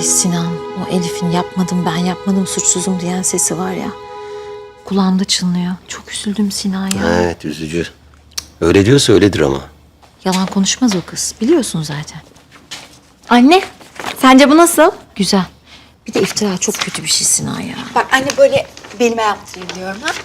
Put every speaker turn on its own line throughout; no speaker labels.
Sinan, o Elif'in yapmadım ben yapmadım suçsuzum diyen sesi var ya. Kulağımda çınlıyor. Çok üzüldüm Sinan ya.
Evet, üzücü. Öyle diyorsa öyledir ama.
Yalan konuşmaz o kız. Biliyorsun zaten.
Anne, sence bu nasıl?
Güzel. Bir de iftira çok kötü bir şey Sinan ya.
Bak anne böyle belime yaptırayım diyorum ha.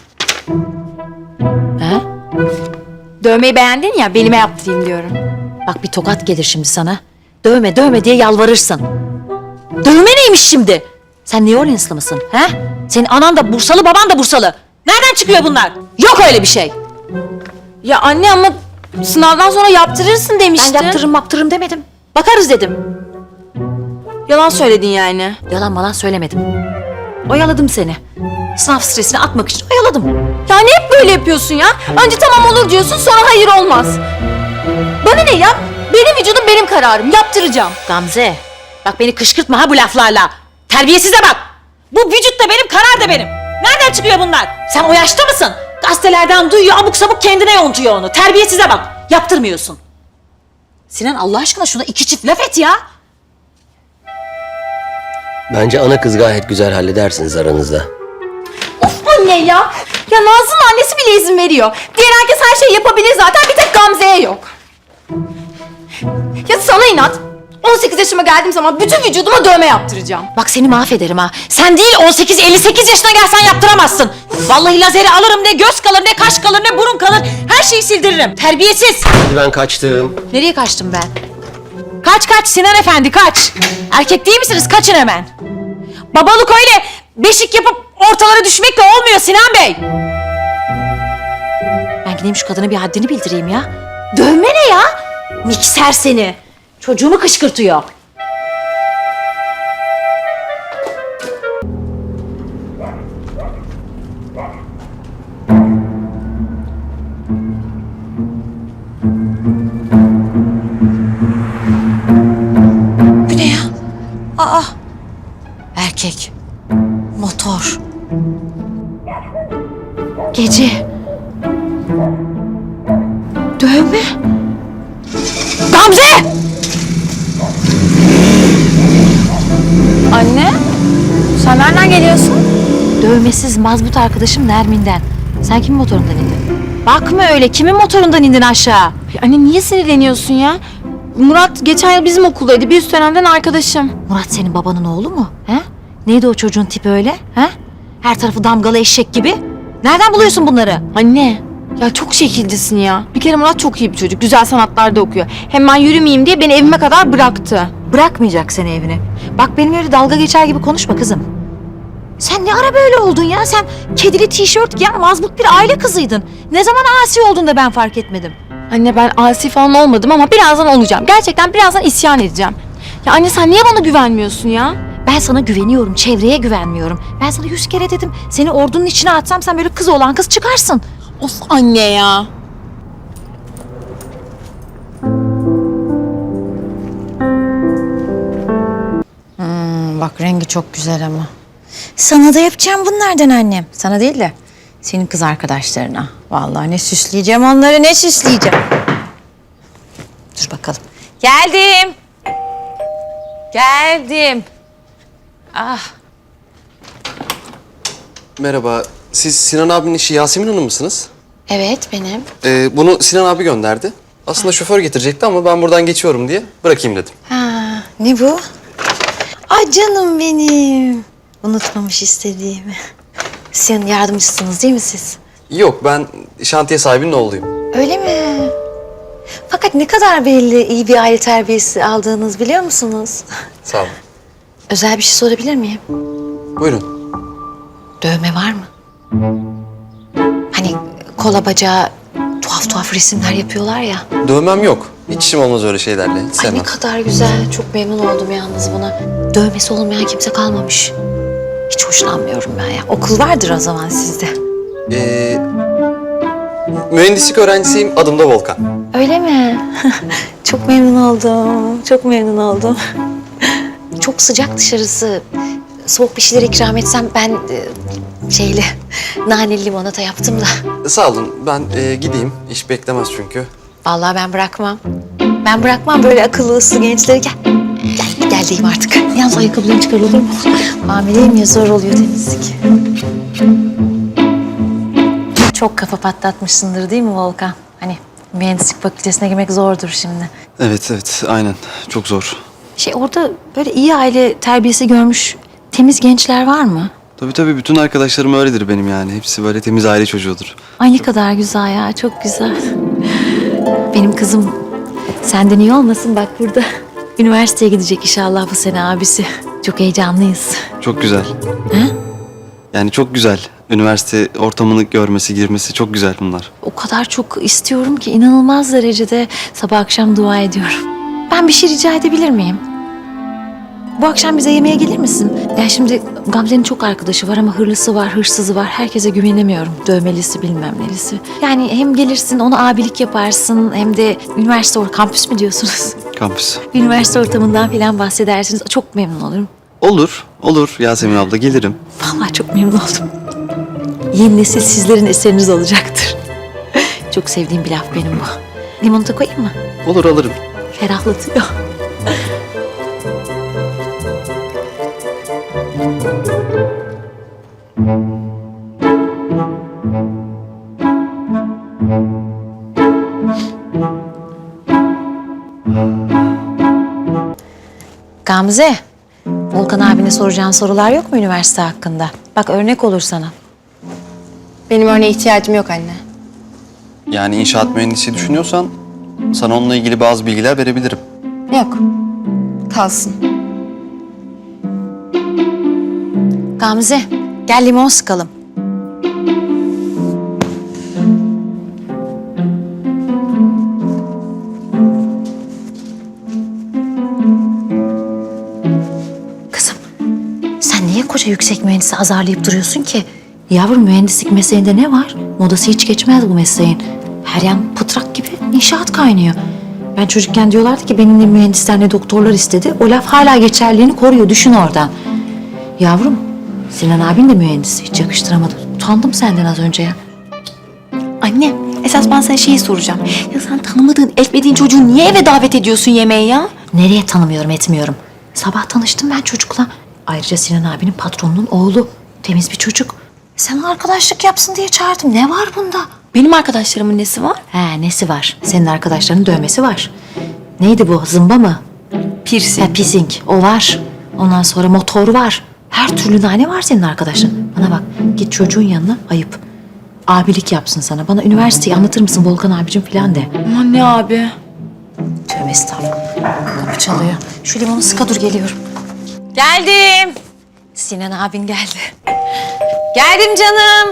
He?
Dövmeyi beğendin ya, belime yaptırayım diyorum.
Bak bir tokat gelir şimdi sana. Dövme dövme diye yalvarırsın. Dövme neymiş şimdi? Sen New Orleanslı mısın? He? Senin anan da Bursalı, baban da Bursalı. Nereden çıkıyor bunlar? Yok öyle bir şey.
Ya anne ama sınavdan sonra yaptırırsın demiştin.
Ben yaptırırım demedim. Bakarız dedim.
Yalan söyledin yani.
Yalan malan söylemedim. Oyaladım seni. Sınav stresini atmak için oyaladım.
Yani hep böyle yapıyorsun ya. Önce tamam olur diyorsun, sonra hayır olmaz. Bana ne ya? Benim vücudum benim kararım. Yaptıracağım.
Gamze, bak beni kışkırtma ha bu laflarla. Terbiyesize bak. Bu vücut da benim, karar da benim. Nereden çıkıyor bunlar? Sen o yaşta mısın? Gazetelerden duyuyor, abuk sabuk kendine yontuyor onu. Terbiyesize bak. Yaptırmıyorsun. Sinan Allah aşkına şuna iki çift laf et ya.
Bence ana kız gayet güzel halledersiniz aranızda.
Of anne ya. Ya Nazlı'nın annesi bile izin veriyor. Diğer herkes her şeyi yapabilir zaten, bir tek Gamze'ye yok. Ya sana inat. 18 yaşıma geldiğim zaman bütün vücuduma dövme yaptıracağım.
Bak seni mahvederim ha. Sen değil 18-58 yaşına gelsen yaptıramazsın. Vallahi lazeri alırım, ne göz kalır, ne kaş kalır, ne burun kalır. Her şeyi sildiririm. Terbiyesiz.
Hadi ben kaçtım.
Nereye kaçtım ben? Kaç Sinan Efendi kaç. Erkek değil misiniz? Kaçın hemen. Babalık öyle beşik yapıp ortalara düşmekle olmuyor Sinan Bey. Ben gideyim şu kadına bir haddini bildireyim ya. Dövme ne ya? Mikser seni. Çocuğumu kışkırtıyor. Bu ne ya? Aa! Erkek. Motor. Gece. Dövme. Gamze!
Anne, sen nereden geliyorsun?
Dövmesiz mazbut arkadaşım Nermin'den. Sen kimin motorundan indin? Bakma öyle. Kimin motorundan indin aşağı?
Ya anne niye sinirleniyorsun ya? Murat geçen yıl bizim okuldaydı. Bir üst dönemden arkadaşım.
Murat senin babanın oğlu mu? He? Neydi o çocuğun tipi öyle? He? Her tarafı damgalı eşek gibi. Nereden buluyorsun bunları?
Anne, ya çok şekilcisin ya. Bir kere Murat çok iyi bir çocuk. Güzel sanatlarda okuyor. Hem ben yürümeyeyim diye beni evime kadar bıraktı.
Bırakmayacak seni evine. Bak benim öyle dalga geçer gibi konuşma kızım. Sen ne ara böyle oldun ya? Sen kedili tişört giyen mazbut bir aile kızıydın. Ne zaman asi oldun da ben fark etmedim.
Anne ben asi falan olmadım ama birazdan olacağım. Gerçekten birazdan isyan edeceğim. Ya anne sen niye bana güvenmiyorsun ya?
Ben sana güveniyorum, çevreye güvenmiyorum. Ben sana 100 kere dedim. Seni ordunun içine atsam sen böyle kız olan kız çıkarsın.
Of anne ya.
Bak rengi çok güzel ama. Sana da yapacağım bunlardan annem. Sana değil de senin kız arkadaşlarına. Vallahi ne süsleyeceğim onları, ne süsleyeceğim. Dur bakalım. Geldim. Geldim. Ah.
Merhaba, siz Sinan abinin eşi Yasemin Hanım mısınız?
Evet benim.
Bunu Sinan abi gönderdi. Aslında şoför getirecekti ama ben buradan geçiyorum diye bırakayım dedim.
Ha, ne bu? Ay canım benim. Unutmamış istediğimi. Sizin yardımcısınız değil mi siz?
Yok, ben şantiye sahibinin oğluyum.
Öyle mi? Fakat ne kadar belli iyi bir aile terbiyesi aldığınız biliyor musunuz?
Sağ olun.
Özel bir şey sorabilir miyim?
Buyurun.
Dövme var mı? Hani kola bacağı tuhaf tuhaf resimler yapıyorlar ya.
Dövmem yok. Hiç işim olmaz öyle şeylerle. Hiç
Ay ne
sevmem.
kadar güzel. Çok memnun oldum yalnız buna. Dövmesi olmayan kimse kalmamış. Hiç hoşlanmıyorum ben ya. Okul vardır o zaman sizde.
Mühendislik öğrencisiyim. Adım da Volkan.
Öyle mi? Çok memnun oldum. Çok memnun oldum. Çok sıcak dışarısı. Soğuk bir şeyler ikram etsem ben naneli limonata yaptım da.
Sağ olun. Ben gideyim. İş beklemez çünkü.
Vallahi ben bırakmam. Ben bırakmam böyle akıllı uslu gençleri. Gel. Gel Geldiyim artık. Yalnız ayakkabılarını çıkar olur mu? Hamileyim ya, zor oluyor temizlik. Çok kafa patlatmışsındır değil mi Volkan? Hani mühendislik fakültesine girmek zordur şimdi.
Evet aynen. Çok zor.
Orada böyle iyi aile terbiyesi görmüş temiz gençler var mı?
Tabii bütün arkadaşlarım öyledir benim yani. Hepsi böyle temiz aile çocuğudur.
Ay ne kadar güzel ya, çok güzel. Benim kızım senden iyi olmasın, bak burada. Üniversiteye gidecek inşallah bu sene abisi. Çok heyecanlıyız.
Çok güzel.
He?
Yani çok güzel. Üniversite ortamını görmesi, girmesi çok güzel bunlar.
O kadar çok istiyorum ki inanılmaz derecede sabah akşam dua ediyorum. Ben bir şey rica edebilir miyim? Bu akşam bize yemeğe gelir misin? Ya şimdi Gamze'nin çok arkadaşı var ama hırlısı var, hırsızı var. Herkese güvenemiyorum. Dövmelisi bilmem nelisi. Yani hem gelirsin, ona abilik yaparsın hem de üniversite kampüs mü diyorsunuz?
Kampüs.
Üniversite ortamından falan bahsedersiniz. Çok memnun olurum.
Olur Yasemin abla gelirim.
Vallahi çok memnun oldum. Yeni nesil sizlerin eseriniz olacaktır. Çok sevdiğim bir laf benim bu. Limonata koyayım mı?
Olur alırım.
Ferahlatıyor. Gamze, Volkan abine soracağın sorular yok mu üniversite hakkında? Bak örnek olur sana.
Benim örneğe ihtiyacım yok anne.
Yani inşaat mühendisi düşünüyorsan sana onunla ilgili bazı bilgiler verebilirim.
Yok. Kalsın.
Gamze, gel limon sıkalım. Kızım, sen niye koca yüksek mühendisi azarlayıp duruyorsun ki? Yavrum, mühendislik mesleğinde ne var? Modası hiç geçmez bu mesleğin. Her yan pıtrak gibi inşaat kaynıyor. Ben çocukken diyorlardı ki benim ne mühendisler ne doktorlar istedi. O laf hala geçerliğini koruyor, düşün oradan. Yavrum, Sinan abin de mühendis. Hiç yakıştıramadım. Utandım senden az önce ya.
Anne, esas ben sana şeyi soracağım. Ya sen tanımadığın, etmediğin çocuğu niye eve davet ediyorsun yemeğe ya?
Nereye tanımıyorum, etmiyorum. Sabah tanıştım ben çocukla. Ayrıca Sinan abinin patronunun oğlu. Temiz bir çocuk. Sen arkadaşlık yapsın diye çağırdım. Ne var bunda?
Benim arkadaşlarımın nesi var?
He, nesi var? Senin arkadaşlarının dövmesi var. Neydi bu? Zımba mı?
Piercing.
Piercing. O var. Ondan sonra motor var. Her türlü nane var senin arkadaşların. Bana bak, git çocuğun yanına, ayıp. Abilik yapsın sana. Bana üniversiteyi anlatır mısın Volkan abicim falan de.
Aman ne abi?
Tövbe estağfurullah. Kapı çalıyor. Şu limonu sıka dur, geliyorum. Geldim. Sinan abin geldi. Geldim canım.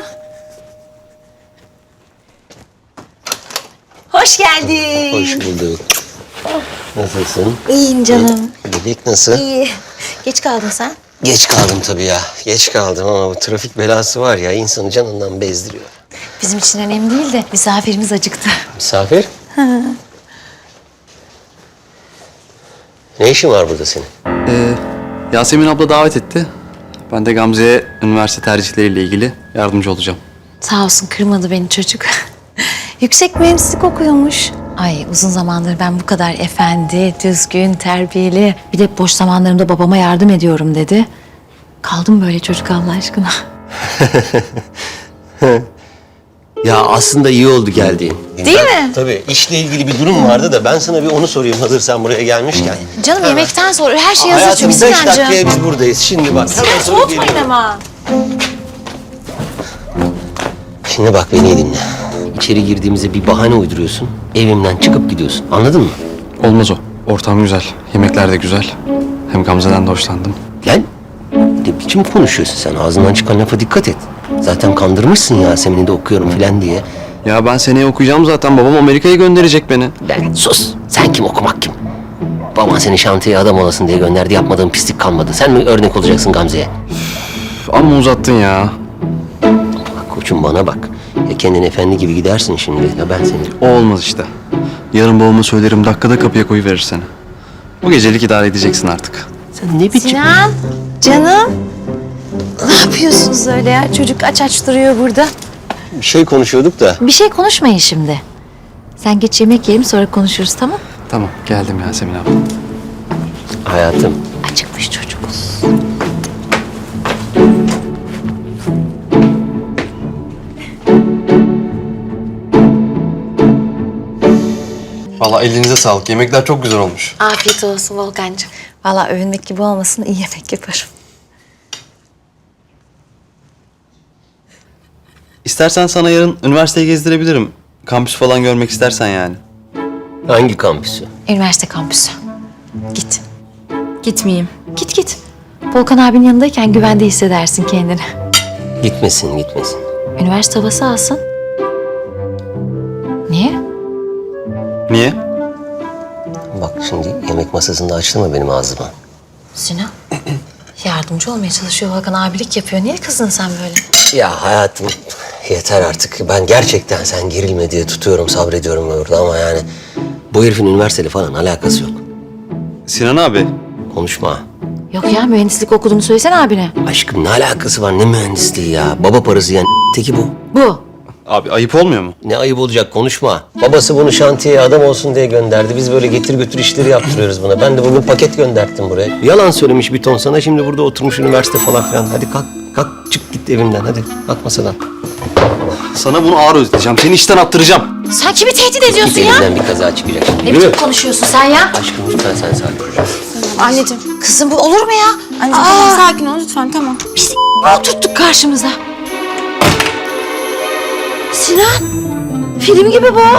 Hoş geldin.
Hoş bulduk. Nasılsın?
İyiyim canım.
Bebek nasıl?
İyi. Geç kaldın sen.
Geç kaldım tabii ya. Geç kaldım ama bu trafik belası var ya, insanı canından bezdiriyor.
Bizim için önemli değil de misafirimiz acıktı.
Misafir? Ne işin var burada senin?
Yasemin abla davet etti. Ben de Gamze'ye üniversite tercihleriyle ilgili yardımcı olacağım.
Sağ olsun, kırmadı beni çocuk. Yüksek mühendislik okuyormuş. Ay, uzun zamandır ben bu kadar efendi, düzgün, terbiyeli. Bir de boş zamanlarımda babama yardım ediyorum dedi. Kaldım böyle çocuk Allah aşkına.
Ya aslında iyi oldu geldiğin.
Değil mi?
Tabii, işle ilgili bir durum vardı da ben sana bir onu sorayım hazır sen buraya gelmişken.
Canım yemekten sonra her şey hazır
Hayatım
çünkü
5 dakikaya
Sinancığım.
biz buradayız. Şimdi bak. Hemen sonra
Soğutmayın
geliyorum.
ama.
Şimdi bak beni iyi dinle. İçeri girdiğimizde bir bahane uyduruyorsun. Evimden çıkıp gidiyorsun. Anladın mı?
Olmaz o. Ortam güzel. Yemekler de güzel. Hem Gamze'den de hoşlandım.
Lan ne biçim konuşuyorsun sen? Ağzından çıkan lafa dikkat et. Zaten kandırmışsın Yasemin'i de okuyorum filan diye.
Ya ben seneye okuyacağım zaten. Babam Amerika'ya gönderecek beni.
Lan sus. Sen kim, okumak kim? Baban seni şantiyeye adam olasın diye gönderdi. Yapmadığın pislik kalmadı. Sen mi örnek olacaksın Gamze'ye?
Üf, amma uzattın ya.
Bak koçum bana bak. Ya kendin efendi gibi gidersin şimdi. Ya ben seni...
O olmaz işte. Yarın babama söylerim, dakikada kapıya koyuverir seni. Bu gecelik idare edeceksin artık.
Sen ne biçim...
Sinan, canım. Ne yapıyorsunuz öyle ya? Çocuk aç aç duruyor burada.
Bir şey konuşuyorduk da.
Bir şey konuşmayın şimdi. Sen geç yemek yiyelim, sonra konuşuruz, tamam?
Tamam, geldim Yasemin abla.
Hayatım.
Acıkmış çocukuz.
Vallahi elinize sağlık. Yemekler çok güzel olmuş.
Afiyet olsun Volkan'cığım. Vallahi övünmek gibi olmasın, iyi yemek yaparım.
İstersen sana yarın üniversiteyi gezdirebilirim. Kampüs falan görmek istersen yani.
Hangi kampüsü?
Üniversite kampüsü. Git.
Gitmeyeyim.
Git git. Volkan abinin yanındayken güvende hissedersin kendini.
Gitmesin, gitmesin.
Üniversite havası alsın. Niye?
Niye?
Bak şimdi yemek masasında açtırma benim ağzıma.
Sinan. Yardımcı olmaya çalışıyor Volkan, abilik yapıyor. Niye kızdın sen böyle?
Ya hayatım yeter artık. Ben gerçekten sen gerilme diye tutuyorum, sabrediyorum orada ama yani... Bu herifin üniversiteyle falan alakası yok.
Sinan abi.
Konuşma.
Yok ya, mühendislik okuduğunu söylesene abine.
Aşkım ne alakası var, ne mühendisliği ya? Baba parası yani teki bu.
Bu.
Abi ayıp olmuyor mu?
Ne ayıp olacak, konuşma. Babası bunu şantiyeye adam olsun diye gönderdi. Biz böyle getir götür işleri yaptırıyoruz buna. Ben de bugün paket gönderttim buraya. Yalan söylemiş bir ton sana, şimdi burada oturmuş üniversite falan filan. Hadi kalk, kalk çık git evimden hadi. Kalk masadan.
Sana bunu ağır ödeteceğim. Seni işten attıracağım.
Sen kimi tehdit
Git
ediyorsun ya?
elimden bir kaza çıkacak şimdi.
Ne
Yürü.
biçim konuşuyorsun sen ya?
Aşkım lütfen sen sakin ol.
Anneciğim.
Kızım bu olur mu ya?
Anneciğim tamam sakin ol lütfen tamam.
Biz tuttuk karşımıza. Sinan. Film gibi bu.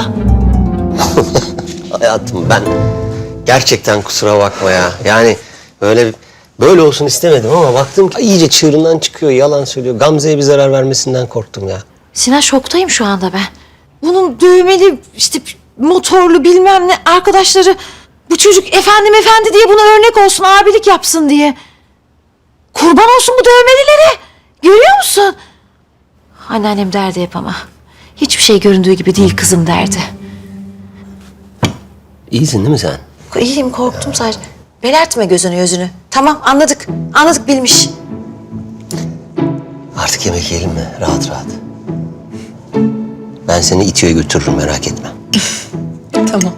Hayatım ben gerçekten kusura bakma ya. Yani böyle olsun istemedim ama baktım ki iyice çığırından çıkıyor, yalan söylüyor. Gamze'ye bir zarar vermesinden korktum ya.
Sinan, şoktayım şu anda ben. Bunun düğmeli, işte motorlu bilmem ne arkadaşları... Bu çocuk efendim efendi diye buna örnek olsun, abilik yapsın diye. Kurban olsun bu dövmelilere. Görüyor musun? Anneannem derdi hep ama. Hiçbir şey göründüğü gibi değil kızım derdi.
İyisin değil mi sen?
İyiyim, korktum sadece. Belertme gözünü. Tamam, anladık. Anladık, bilmiş.
Artık yemek yiyelim mi? Rahat rahat. Ben seni İTÜ'ye götürürüm, merak etme.
Tamam.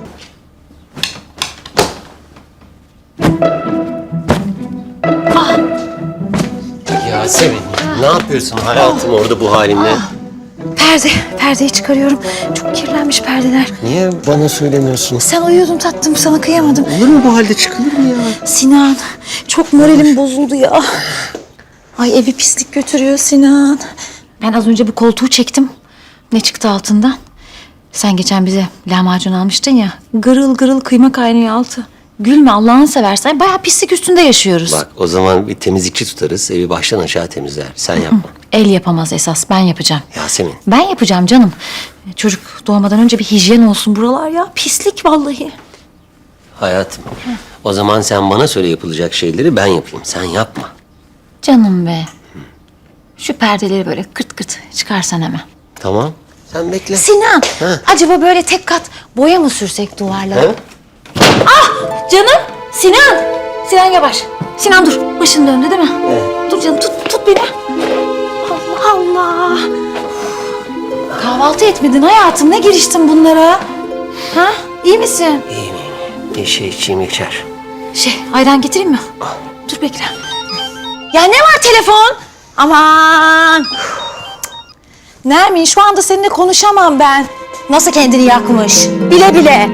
Yasemin, ne yapıyorsun hayatım orada bu halinle?
Perdeyi çıkarıyorum. Çok kirlenmiş perdeler.
Niye bana söylemiyorsun?
Sen uyuyordun tatlım, sana kıyamadım.
Olur mu bu halde, çıkılır mı ya?
Sinan, çok moralim bozuldu ya. Ay evi pislik götürüyor Sinan. Ben az önce bu koltuğu çektim. Ne çıktı altından? Sen geçen bize lahmacun almıştın ya. Gırıl gırıl kıyma kaynıyor altı. Gülme Allah'ını seversen. Bayağı pislik üstünde yaşıyoruz.
Bak o zaman bir temizlikçi tutarız, evi baştan aşağı temizler. Sen yapma.
El yapamaz esas, ben yapacağım.
Yasemin.
Ben yapacağım canım. Çocuk doğmadan önce bir hijyen olsun buralar ya. Pislik vallahi.
Hayatım, o zaman sen bana söyle yapılacak şeyleri, ben yapayım. Sen yapma.
Canım be. Şu perdeleri böyle kırt kırt çıkarsan hemen.
Tamam, sen bekle.
Sinan,
Ha.
acaba böyle tek kat boya mı sürsek duvarlara?
Ha?
Canım, Sinan. Sinan yavaş. Sinan dur, başın döndü değil mi? Dur canım, tut beni. Allah Allah. Kahvaltı etmedin hayatım, ne giriştin bunlara? Ha, iyi misin?
İyiyim. Bir şey içeyim içer.
Ayran getireyim mi? Dur bekle. Ya ne var telefon? Aman. Nermin, şu anda seninle konuşamam ben. Nasıl kendini yakmış? Bile bile.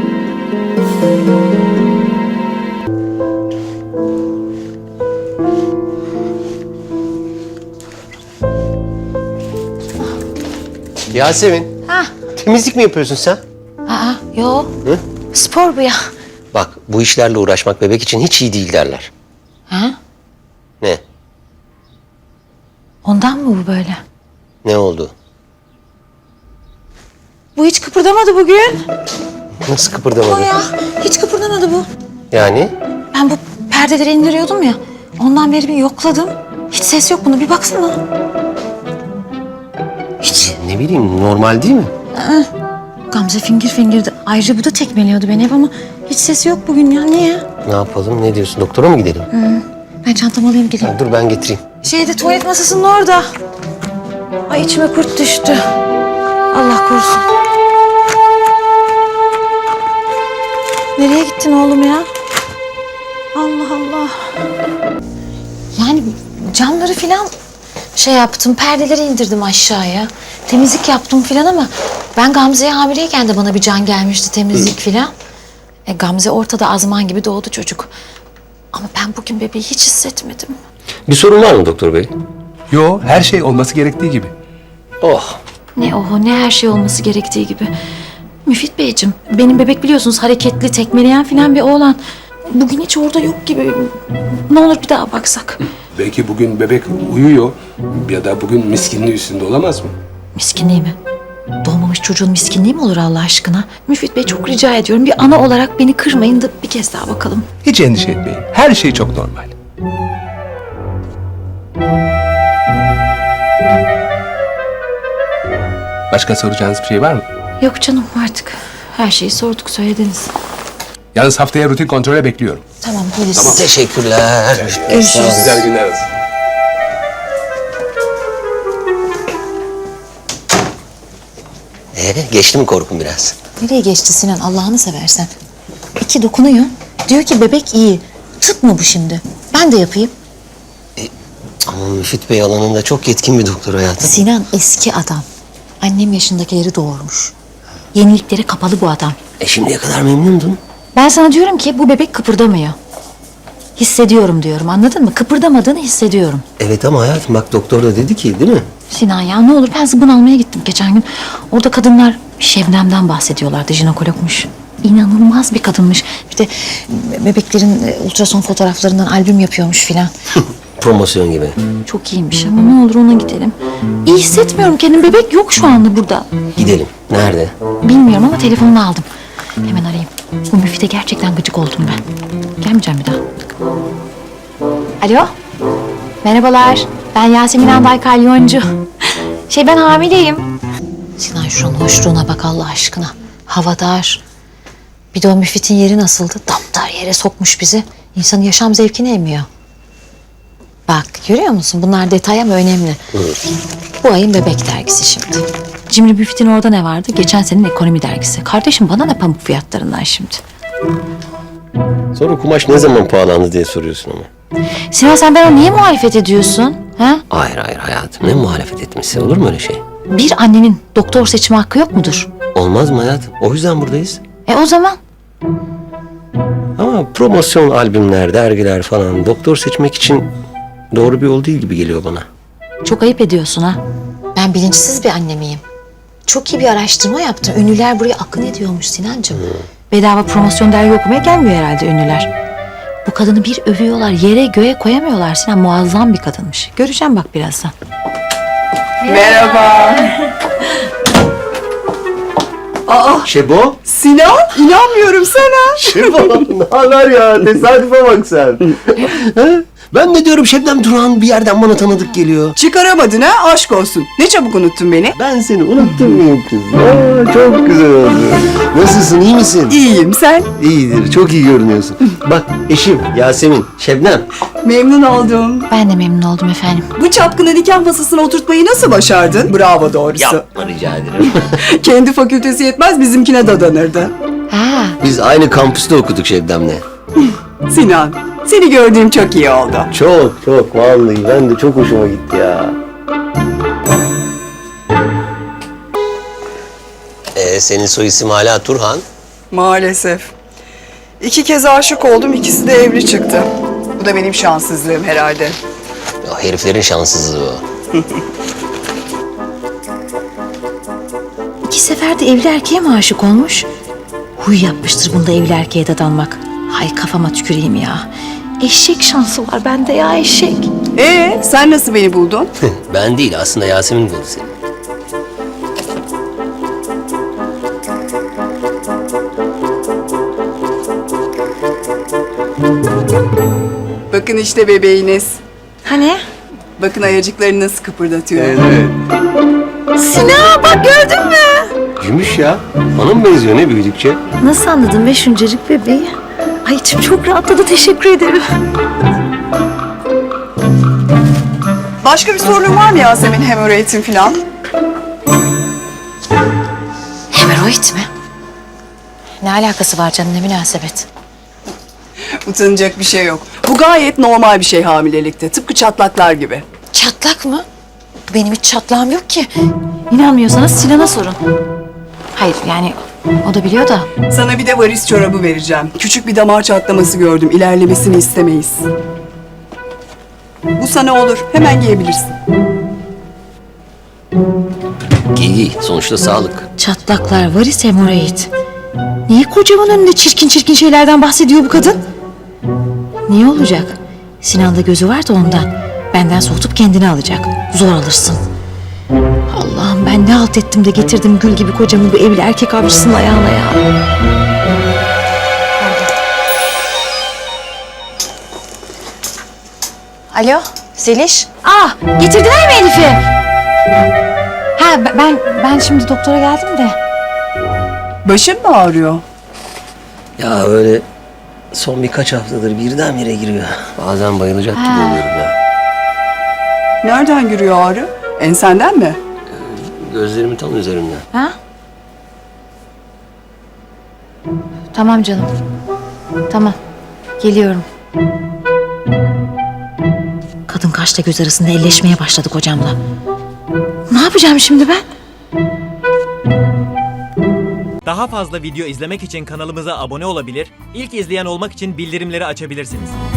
Yasemin,
Ha.
temizlik mi yapıyorsun sen?
Aa, yo.
Hı?
Spor bu ya.
Bak, bu işlerle uğraşmak bebek için hiç iyi değil derler.
Ha?
Ne?
Ondan mı bu böyle?
Ne oldu?
Bu hiç kıpırdamadı bugün.
Nasıl kıpırdamadı?
O ya, hiç kıpırdamadı bu.
Yani?
Ben bu perdeleri indiriyordum ya. Ondan beri bir yokladım. Hiç ses yok bunda, bir baksana. Hiç.
Ne bileyim, normal değil mi?
Gamze fingir fingirdi. Ayrıca bu da tekmeliyordu beni hep ama hiç sesi yok bugün ya. Niye?
Ne yapalım, ne diyorsun? Doktora mı gidelim?
Ben çantamı alayım geleyim.
Dur ben getireyim.
Tuvalet masasının orada. Ay içime kurt düştü. Allah korusun. Nereye gittin oğlum ya? Allah Allah. Yani camları filan şey yaptım, perdeleri indirdim aşağıya. Temizlik yaptım filan ama ben Gamze'ye hamileyken de bana bir can gelmişti temizlik filan. Gamze ortada azman gibi doğdu çocuk. Ama ben bugün bebeği hiç hissetmedim.
Bir sorun var mı doktor bey?
Yo, her şey olması gerektiği gibi.
Oh.
Ne oho ne her şey olması gerektiği gibi. Müfit Beyciğim, benim bebek biliyorsunuz hareketli, tekmeleyen filan bir oğlan. Bugün hiç orada yok gibi. Ne olur bir daha baksak.
Belki bugün bebek uyuyor ya da bugün miskinliği üstünde olamaz mı?
Miskinliği mi? Doğmamış çocuğun miskinliği mi olur Allah aşkına? Müfit Bey çok rica ediyorum. Bir ana olarak beni kırmayın da bir kez daha bakalım.
Hiç endişe etmeyin. Her şey çok normal. Başka soracağınız bir şey var mı?
Yok canım artık. Her şeyi sorduk söylediniz.
Yalnız haftaya rutin kontrole bekliyorum.
Tamam polis.
Teşekkürler.
Görüşürüz.
Güzel günler olsun.
Geçti mi korkun biraz?
Nereye geçti Sinan Allah'ını seversen? İki dokunuyor. Diyor ki bebek iyi. Tıp mı bu şimdi? Ben de yapayım.
Ama Müfit Bey alanında çok yetkin bir doktor hayatım.
Sinan eski adam. Annem yaşındakileri doğurmuş. Yeniliklere kapalı bu adam.
Şimdiye kadar memnundun.
Ben sana diyorum ki bu bebek kıpırdamıyor. Hissediyorum diyorum anladın mı? Kıpırdamadığını hissediyorum.
Evet ama hayatım bak doktor da dedi ki değil mi?
Sinan ya ne olur ben zıbın almaya gittim geçen gün. Orada kadınlar Şebnem'den bahsediyorlardı jinekologmuş. İnanılmaz bir kadınmış. Bir de bebeklerin ultrason fotoğraflarından albüm yapıyormuş filan.
Promosyon gibi.
Çok iyiymiş ama ne olur ona gidelim. İyi hissetmiyorum kendim. Bebek yok şu anda burada.
Gidelim. Nerede?
Bilmiyorum ama telefonunu aldım. Hemen arayayım. Bu Müfit'e gerçekten gıcık oldum ben. Gelmeyeceğim bir daha. Alo. Merhabalar. Ben Yasemin Anday Kalyoncu. Ben hamileyim. Sinan şuranın hoşluğuna bak Allah aşkına. Hava dar. Bir de o Müfit'in yeri nasıldı? Damdar yere sokmuş bizi. İnsanın yaşam zevkini emiyor. Bak görüyor musun? Bunlar detay ama önemli. Bu ayın bebek dergisi şimdi. Cimri Müfit'in orada ne vardı? Geçen senenin ekonomi dergisi. Kardeşim bana ne pamuk fiyatlarından şimdi?
Sonra kumaş ne zaman pahalandı diye soruyorsun ama.
Sinan sen bana niye muhalefet ediyorsun? Ha?
Hayır hayatım ne muhalefet etmesi olur mu öyle şey?
Bir annenin doktor seçme hakkı yok mudur?
Olmaz mı hayatım? O yüzden buradayız.
O zaman
Ama promosyon albümler, dergiler falan doktor seçmek için doğru bir yol değil gibi geliyor bana.
çok ayıp ediyorsun ha. Ben bilinçsiz bir anne miyim? Çok iyi bir araştırma yaptım. Ünlüler buraya akın ediyormuş Sinancığım. Bedava promosyon dergi okumaya gelmiyor herhalde ünlüler. Bu kadını bir övüyorlar, yere göğe koyamıyorlar Sinan. Muazzam bir kadınmış. Göreceğim bak birazdan.
Şebo?
Sinan, inanmıyorum sana.
Şebo ne haber ya? Tesadüfe bak sen. Ben de diyorum Şebnem Duran bir yerden bana tanıdık geliyor.
Çıkaramadın ha, aşk olsun. Ne çabuk unuttun beni.
Ben seni unuttum muyum kız? Aa, çok güzel oldu. Nasılsın, iyi misin?
İyiyim, sen?
İyidir, çok iyi görünüyorsun. Bak eşim Yasemin, Şebnem.
Memnun oldum.
Ben de memnun oldum efendim.
Bu çapkını nikah masasına oturtmayı nasıl başardın? Bravo doğrusu.
Yapma rica ederim.
Kendi fakültesi yetmez, bizimkine dadanırdı.
Ha,
Biz aynı kampüste okuduk Şebnem'le.
Sinan, seni gördüğüm çok iyi oldu.
Çok vallahi ben de çok hoşuma gitti ya. Senin soy isim hala Turhan.
Maalesef. 2 kez aşık oldum, ikisi de evli çıktı. Bu da benim şanssızlığım herhalde.
Ya, heriflerin şanssızlığı o.
2 sefer de evli erkeğe mi aşık olmuş? Huy yapmıştır bunda evli erkeğe dadanmak. Hay kafama tüküreyim ya. Eşek şansı var bende ya eşek.
Sen nasıl beni buldun?
Ben değil aslında Yasemin buldu seni.
Bakın işte bebeğiniz.
Hani?
Bakın ayacıklarını nasıl kıpırdatıyor.
Sinan bak gördün mü?
Gümüş ya. Bana mı benziyor ne büyüdükçe?
Nasıl anladın be şuncacık bebeği? Ay içim çok rahatladı teşekkür ederim.
Başka bir sorun var mı Yasemin, hemoroidin falan?
Hemoroid mi? Ne alakası var canım ne münasebet?
Utanacak bir şey yok. Bu gayet normal bir şey hamilelikte. Tıpkı çatlaklar gibi.
Çatlak mı? Benim hiç çatlağım yok ki. İnanmıyorsanız Sinan'a sorun. Hayır yani o da biliyor da.
Sana bir de varis çorabı vereceğim. Küçük bir damar çatlaması gördüm. İlerlemesini istemeyiz. Bu sana olur. Hemen giyebilirsin.
İyi, sonuçta sağlık.
Çatlaklar, varis, hemoroid. Niye kocamın önünde çirkin çirkin şeylerden bahsediyor bu kadın? Niye olacak? Sinan'da gözü var da ondan. Benden soğutup kendini alacak. Zor alırsın. Allah'ım ben ne halt ettim de getirdim gül gibi kocamı bu evli erkek avcısının ayağına ya. Alo, Zeliş. Getirdiler mi Elif'i? Ha ben şimdi doktora geldim de.
Başın mı ağrıyor?
Ya öyle son birkaç haftadır birdenbire giriyor. Bazen bayılacak gibi oluyorum ya.
Nereden giriyor ağrı? Ensenden mi?
Gözlerimin tam üzerinden.
Ha? Tamam canım. Tamam. Geliyorum. Kadın kaşla göz arasında elleşmeye başladık hocamla. Ne yapacağım şimdi ben?
Daha fazla video izlemek için kanalımıza abone olabilir, ilk izleyen olmak için bildirimleri açabilirsiniz.